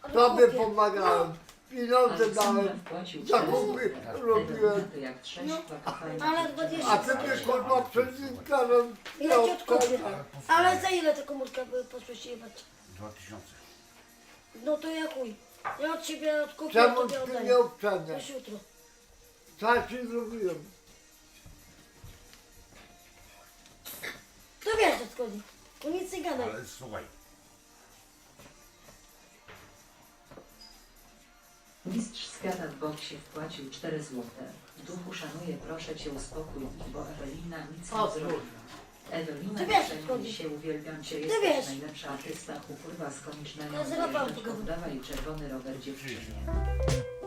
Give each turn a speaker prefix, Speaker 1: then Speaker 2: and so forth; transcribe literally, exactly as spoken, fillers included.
Speaker 1: Tobie
Speaker 2: kupię.
Speaker 1: pomagałem. Pieniądze
Speaker 3: Aleksandra
Speaker 1: dałem.
Speaker 3: wpłacił
Speaker 1: Zakupy robiłem.
Speaker 3: Te jak trzeźwa,
Speaker 2: No,
Speaker 3: kochajna
Speaker 2: ale
Speaker 3: dziewczyna.
Speaker 2: dwadzieścia
Speaker 1: A ty mnie kurwa przezinkarem.
Speaker 2: Ja ci odkupię. Ale za ile ta komórka by poszłeś jebać?
Speaker 4: Dwa tysiące.
Speaker 2: No to ja chuj. Ja od ciebie odkupię,
Speaker 1: Czemu
Speaker 2: tobie
Speaker 1: ty
Speaker 2: oddaję.
Speaker 1: nie obczaniasz?
Speaker 2: Już jutro.
Speaker 1: Co ja ci zrobiłem?
Speaker 2: To wiesz, o co chodzi. To nic nie gadaj.
Speaker 4: Ale słuchaj,
Speaker 3: Mistrz świata w boksie wpłacił cztery złote. W duchu szanuję, proszę cię uspokój, bo Ewelina nic
Speaker 1: O,
Speaker 3: nie zrobiła. Ewelina,
Speaker 2: Ty wiesz,
Speaker 3: przejmuj
Speaker 2: chodzi.
Speaker 3: się, uwielbiam cię,
Speaker 2: Ty
Speaker 3: jesteś
Speaker 2: wiesz.
Speaker 3: najlepsza artysta, upływa z komicznego
Speaker 2: Ja z Rafałem
Speaker 3: zwierzątką,
Speaker 2: pogadam.
Speaker 3: dawaj czerwony rower dziewczynie.